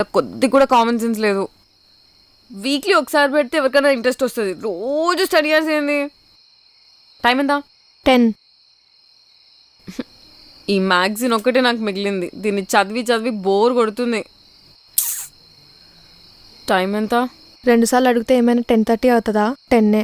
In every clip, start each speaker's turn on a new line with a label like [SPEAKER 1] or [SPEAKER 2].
[SPEAKER 1] నాకు కొద్ది కూడా కామన్ సెన్స్ లేదు. వీక్లీ ఒకసారి పెడితే ఎవరికైనా ఇంట్రెస్ట్ వస్తుంది. రోజు స్టడీ అవర్స్ ఏంది? టైం ఎంత?
[SPEAKER 2] 10.
[SPEAKER 1] ఈ మ్యాగజైన్ ఒక్కటే నాకు మిగిలింది. దీన్ని చదివి చదివి బోర్ కొడుతుంది. టైం ఎంత?
[SPEAKER 2] 2 సార్లు అడిగితే ఏమైనా 10:30 అవుతుందా? 10.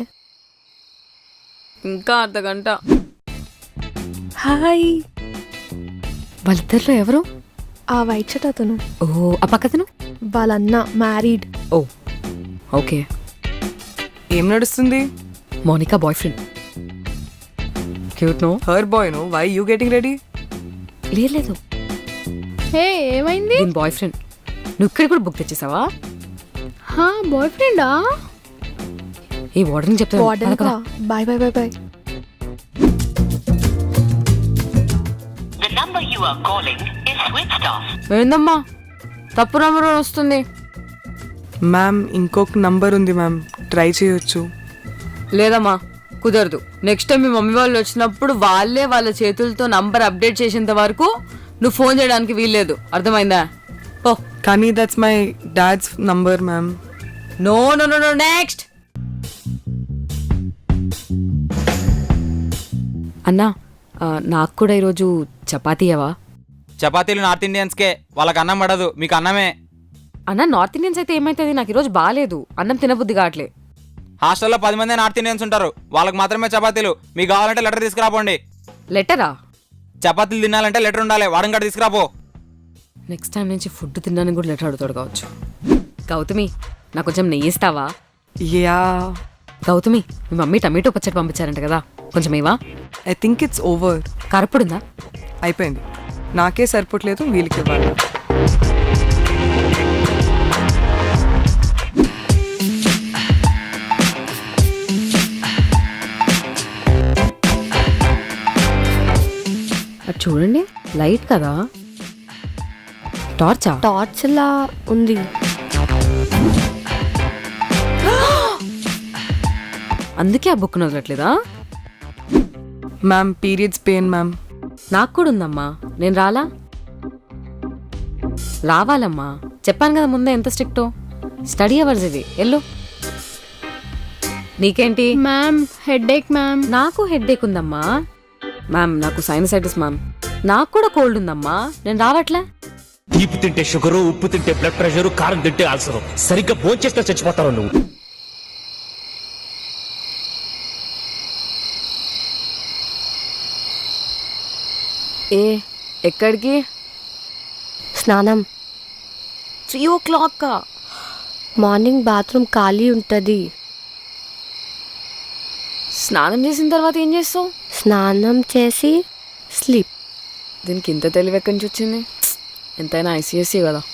[SPEAKER 1] ఇంకా అర్ధగంట.
[SPEAKER 2] హాయ్.
[SPEAKER 1] వాళ్ళిద్దరిలో ఎవరు?
[SPEAKER 2] ఆ వైట్ షర్ట్ అతను.
[SPEAKER 1] ఓ, ఆ పక్కతను
[SPEAKER 2] వాళ్ళన్న మ్యారీడ్.
[SPEAKER 1] ఓ ఓకే.
[SPEAKER 3] ఏం నడుస్తుంది?
[SPEAKER 1] Monica boyfriend. Cute no?
[SPEAKER 3] Her boy no. Why you getting ready?
[SPEAKER 1] లేదు,
[SPEAKER 4] హే ఏమైంది?
[SPEAKER 1] దీని బాయ్ ఫ్రెండ్. నువ్వు ఇక్కడ కూడా బుక్ తెచ్చేసావా?
[SPEAKER 4] హా బాయ్ ఫ్రెండా?
[SPEAKER 1] ఈ వార్డెన్ చెప్తా.
[SPEAKER 2] Bye bye bye bye.
[SPEAKER 5] The number you are calling is switched off.
[SPEAKER 1] ఏందమ్మా తప్పు నంబర్ వస్తుంది?
[SPEAKER 3] మ్యామ్ ఇంకొక నంబర్ ఉంది మ్యామ్, ట్రై చేయొచ్చు.
[SPEAKER 1] లేదమ్మా కుదరదు. నెక్స్ట్ టైం మీ మమ్మీ వాళ్ళు వచ్చినప్పుడు వాళ్ళే వాళ్ళ చేతులతో నంబర్ అప్డేట్ చేసేంత వరకు నువ్వు ఫోన్ చేయడానికి వీల్లేదు. అర్థమైందా? ఓ
[SPEAKER 3] కానీ that's my dad's number ma'am.
[SPEAKER 1] No no no no next. అన్నా నాకు కూడా ఈరోజు చపాతీ అవా?
[SPEAKER 6] చపాతీలు నార్త్ ఇండియన్స్కే, వాళ్ళకి అన్నం పడదు, మీకు అన్నమే.
[SPEAKER 1] అన్న నార్త్ ఇండియన్స్ అయితే ఏమైతుంది? నాకు ఈరోజు బాగాలేదు, అన్నం తినబుద్ధి కావట్లే.
[SPEAKER 6] హాస్టల్లో 10 మంది నార్త్ ఇండియన్స్ ఉంటారు, వాళ్ళకి మాత్రమే చపాతీలు. మీకు కావాలంటే లెటర్ తీసుకురాపోండి.
[SPEAKER 1] లెటరా?
[SPEAKER 6] చపాతీలు తినాలంటే లెటర్ ఉండాలి, వాడం కాడ తీసుకురాపో.
[SPEAKER 1] నెక్స్ట్ టైం నుంచి ఫుడ్ తినడానికి కూడా లెటర్ అడుగుతాడు కావచ్చు. గౌతమి నాకు కొంచెం నెయ్యి ఇస్తావా?
[SPEAKER 3] యా.
[SPEAKER 1] గౌతమి మీ మమ్మీ టమాటో పచ్చడి పంపించారంట కదా, కొంచెం ఏవా?
[SPEAKER 3] I think it's over.
[SPEAKER 1] కారప్పుడుందా?
[SPEAKER 3] అయిపోయింది. నాకే సరిపోవట్లేదు, వీళ్ళకి ఇవ్వాలి.
[SPEAKER 1] అది చూడండి, లైట్ కదా? టార్చా?
[SPEAKER 2] టార్చ్ లా ఉంది.
[SPEAKER 1] అందుకే ఆ బుక్ వదలట్లేదా?
[SPEAKER 3] Ma'am periods pain ma'am.
[SPEAKER 1] నాకు కూడా ఉందమ్మా, నేను రాలా? రావాలమ్మా, చెప్పాను కదా ముందే ఎంత స్ట్రిక్టో. స్టడీ అవర్స్ ఇది, ఎల్లు. నీకేంటి?
[SPEAKER 4] Ma'am headache ma'am.
[SPEAKER 1] నాకు హెడేక్ ఉందమ్మా. మ్యామ్ నాకు సైనసైటిస్ మ్యామ్. నాకు కూడా కోల్డ్ ఉందమ్మా, నేను రావట్లే.
[SPEAKER 7] తీపి తింటే షుగరు, ఉప్పు తింటే బ్లడ్ ప్రెషర్, కారం తింటే అల్సరు. సరిగ్గా భోంచేస్తే చచ్చిపోతావు నువ్వు.
[SPEAKER 1] ఏ ఎక్కడికి?
[SPEAKER 2] స్నానం.
[SPEAKER 1] 3 o'clock.
[SPEAKER 2] మార్నింగ్ బాత్రూమ్ ఖాళీ ఉంటుంది.
[SPEAKER 1] స్నానం చేసిన తర్వాత ఏం చేస్తావు?
[SPEAKER 2] స్నానం చేసి స్లీప్.
[SPEAKER 1] దీనికి ఇంత తెలివి ఎక్కడి నుంచి వచ్చింది? ఎంతైనా ICSE కదా.